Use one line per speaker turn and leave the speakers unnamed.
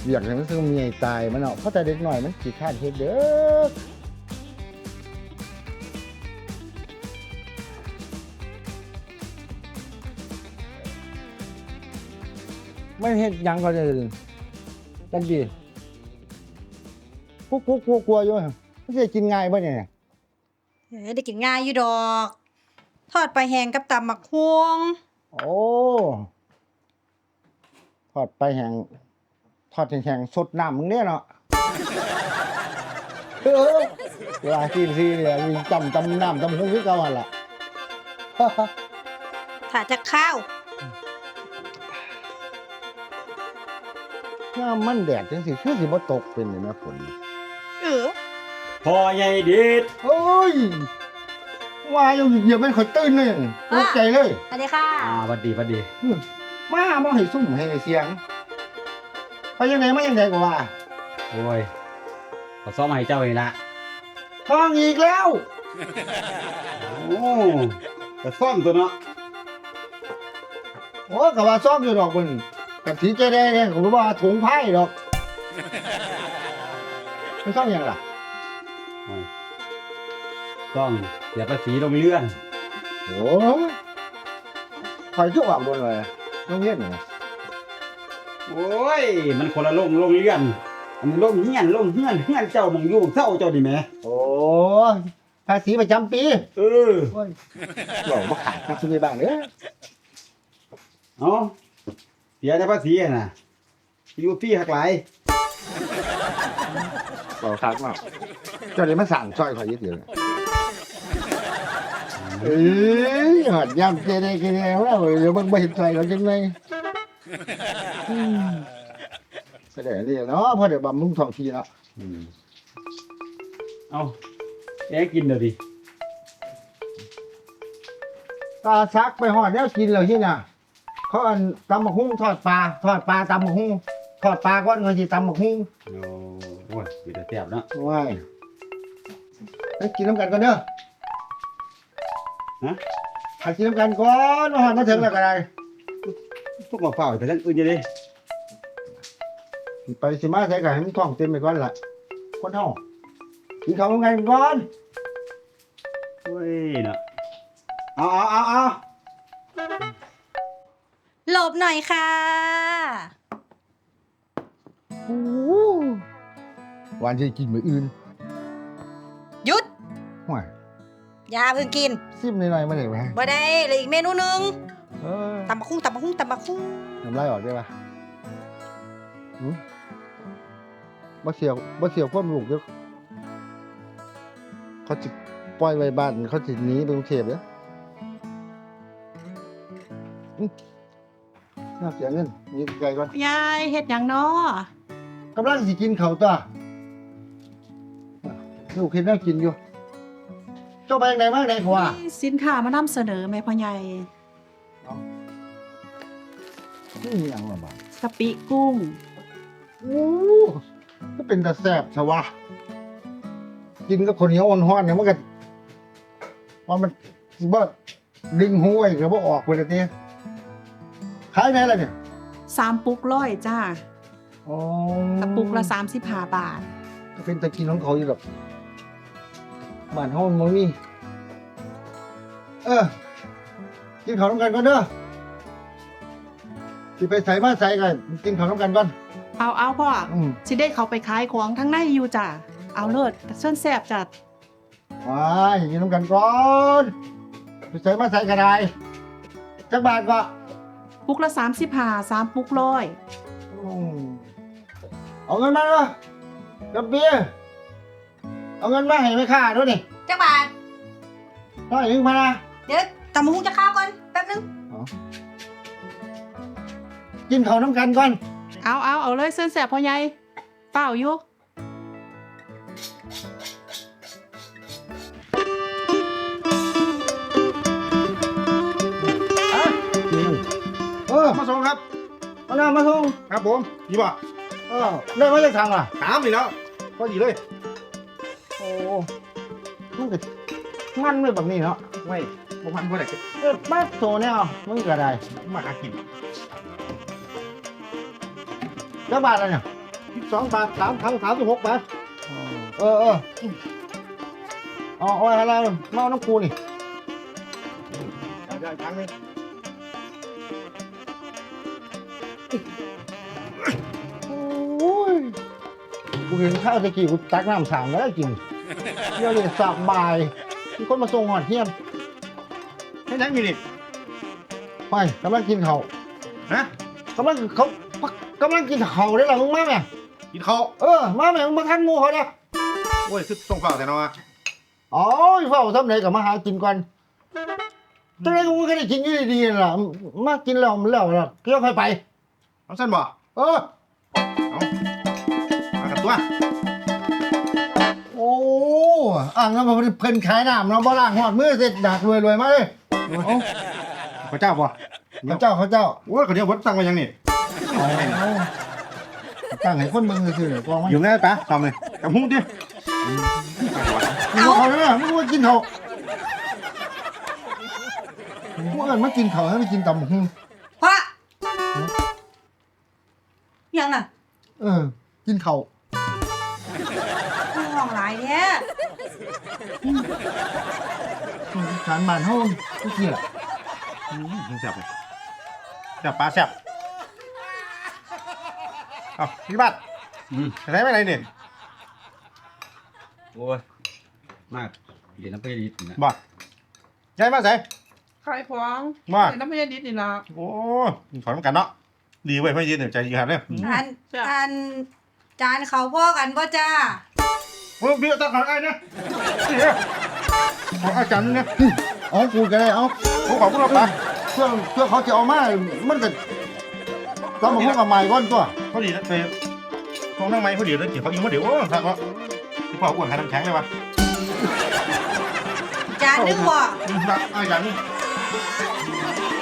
อยากให้มันต้องมีไอ้ตายมันเนาะเพราะแต่เด็กหน่อยมันขี้ข้านเฮ็ดเด้อไม่เฮ็ดหยังก็จะจังดีพวกกลัวอยู่มันจะกินง่ายบ่เนี่ย
ได้กินง่ายอยู่ดอก ทอดปลาแห้งกับตำบักฮวง
โอ้ทอดไปแห้งทอดแห้งๆสดน้ำมึงเนี่ยเนาะเออเวลาซีเนี่ยมีจำน้ำจำหุ้งคือเก่าหั่นล่ะ
ถ้าจะข้าว
ถ้ามันแดดจังสิคือสิบ่ตกเป็นนี่แม่ฝน
เออ
พอใหญ่ดิด
โอ้ยว่าอยู่เหยียบมันข่อยตื่นเลยตกใจเลย
สวัสดีค่ะ
หวัดดีหวัดดี
มาบ่ให้ซุ่มให้เสียงไปยังไงมายังไงก็ว่า
โอ้ยขอซ้อมมาให้เจ้าเองละ
ท้องอีกแล้ว
โอ้แต่ซ่อมตัวเนาะ
โอ้ก็ว่าซ้อมอยู่ดอกมันกับสีใจแดงเนี่ยผมว่าถุงไพ่ดอกมันซ้อมยังล่ะ
โอ้ยซ่อมเสียภาษีลงเลื่อน
โอ้ยคอยชั่วโดนเลยต้องเงียบหน่อย
โอ้ยมันคนละลงเลื่อน อันนี้ลงเฮียนเจ้ามองอยู่เศร้าเจ้าดิแหม่
โอ้ยภาษีประจำปี
เออ
โอ้ยหลอกมาขายนักซื้อบ้างเด้อ
เอาเสียแต่ภาษีอะน่ะอยู่พี่หักหลาย
หลอกคักมากเจ้าเดี๋ยวมาสั่งซอยคอยยึดเดียวเลยเอ้ยหอดยำเจเดกินแล้วเดี๋ยวมันไม่เห็นซอยเราจังเลยแสดงนี่เนาะพอเดี๋ยวบำรุงท้องที่เนาะ
อืมเอาแกกินเดี๋ยวดิ
ตาซักไปหอดแล้วกินเลยที่น่ะเขาอันตำบักหุ่งทอดปลาตำบักหุ่งทอดปลาก้อนเงินที่ตำบักหุ่ง
โอ้ยมีแต่แซ่บเนาะ
ว้ายไปกินน้ำกันก่อนเด้อ
ฮะ
ไปกินน้ำกันก่อนมาหอดมาถึงแล้วก็ได้
พวกมาเฝ้าไปทั้งอื่นจะดิ
ไปสิมาใส่ไก่ให้มันท้องเต็มไปก่อนล่ะคนเฮากินข้าวน้ำกันก่อน
เฮ้ยเนาะเอา
หลบหน่อยค่ะ
โอ้หวานจะกินมื้ออื่น
หยุด
ห่วย
อย่าเพิ่งกิน
ซิมหน่อยๆมาได้ไหม
บ่ได้เหลยอีกเมนูหนึง
เออ
ตำบักฮุ่งตำบักฮุ่งตำบักฮุ่ง
น้ำลายออกได้ปะบ่เสียวความลูกเด้อเขาสิปล่อยไว้บ้านเขาสิหนีไปกรุงเทพเด้อน่าเสียเงินนี่ไกลก่อน
ยายเฮ็ดหยังน้อก
ำลังสิกินข้าวตัวลูกเห็นแล้วกินอยู่เจ้าไปไหนมาไหนขวา
มีสินค้ามานำเสนอแม่พ่อใหญ่
นี่ยังละบาด
กะปิกุ้ง
โอ้ก็เป็นตาแซ่บซะวะกินกับคนเหนียวอ่อนฮ้อนเนี่ยมันก็ว่ามันสิบ่ดึงหูไว้ก็บ่ออกไปเลยติขายไหนล่ะเนี่ย
3 ปุกร้อยจ้า
อ๋อก
ระปุกละ35 บาท
ก็เป็นตะกินของเขาอยู่ดอกบ้านเฮามันบ่มีกินข้าวนำกันก่อนเด้อสิไปใส่มาใส่กันกินข้าวนำกันก่อน
เอาพ่อ สิได้เขาไปขายของทั้งในอยู่จ้าเอาเลิศเส้นแซ่บจัด
ว้ายกินนำกันก่อนไปใส่มาใส่ก็ได้จักบาทก็
ปุกละ35 3 ปุกร้อย
เอาเงินมาเนาะกับเบียร์เอาเงินมาให้แม่ค้าด้วยนี่
จักบาท
ร้อยหนึงมานะ
เดี๋ยวตำบักฮุ่งจะข้าวก่อนแป๊บนึง
กินข้าวน้ำกันก่อน
เอาเลยเส้นแซ่บพ่อใหญ่เปล่าอยู่
มาส่งครับมาส่ง
ครับผมนี่บ่
ได้มาจากทางล่ะ
ถามนี่แล้วพอดีเลย
โอ้มันก็มันไม่แบบนี้เนาะ
ไม่บ่พันบ่ได้
มาโซเนี่ยมึงก็ได้
มาหากิน
จักบาทอะไรเนี่ย
12 บาท3ถัง36 บาท
เออเอาอะไรมาน้ำกูนี่
ได้ถังนึง
โอ้ยกูเห็นข้าวตะกี้กูตักน้ำสั่งแล้วกินเดี๋ยวเลยสบายมีคนมาส่งหอดเที่ยง
ให้ยังอยู่นี่
ไปกำลังกินเขาว
ฮะ
กำลังกินเขาได้หรอมึงมาไหม
กินข้าว
มาไหมมึงมาทันงูเขาเนี่ย
โอ้ยคือส่งเปล่าแต่เนาะ
อ๋อเฝ้าทำไหนกับมาหากินก่อนตอนแรกกูก็ได้กินอยู่ดีๆนั่นล่ะมากินแล้วมันแล้วล่ะเกี่ยวใครไป
เอาสั้นบ่
เอา
มากับตัว
โอ้อ่างน้ำมันเพิ่นขายน้ำเนาะบ่ล้างหอดมือเสร็จดักรวยมาเลยเอา
พระเจ้าบ่
เขาเจ้า
โอ้ยเขาเดี๋ยววัดสั่งมายังนี่
เอาตั้งให้คนเบิ่งซื่อๆกองมัน
อยู่ไงปะทำเลยกับหุ้งดิ
มึงเอาเลยมึงมากินเขามึงเอิ้นมากินเขาให้มันกินตำบักหุ่ง
พ่อยังน่ะ
กินเขา
ห้องหลายแท้
สารบ้านเฮาทุกทีล่ะ
แซ่บเลยแซ่บปลาแซ่บเอาพี่บัตรไหนไปไหนเนี่ย
โอ้ยมากเดี๋ยวน้ำไปดีนะ
บ่ยายมาใส่
ขายของ
มา
เป็นน้ำพยาดิษนี่ล่ะ
โอ้ขอน้ำกันเนาะดีเว้ยไม่ยืนเดี๋ยวใจดีครับเนี่ย
อันจานเขาพ่อกันบ่จ้า
โอ้พี่ตาขอไอ้เนี่ยขออาจารย์เนี่ย
เอากูก็ได้เอา
โอ้ขอบคุณครับปะ
เพื่อเขาจะเอามามันก็ต้องมาพูดกับใหม่ก่อนตัว
พอดีนะไปห้องนั่งไม้พอดีแล้วเกี่ยวเขายิงมาเดี๋ยวโอ้ทักว่าพี่พ่ออ้วนขายน้ำแข็งเลยวะ
จานนึงบ่
อาจารย์นี่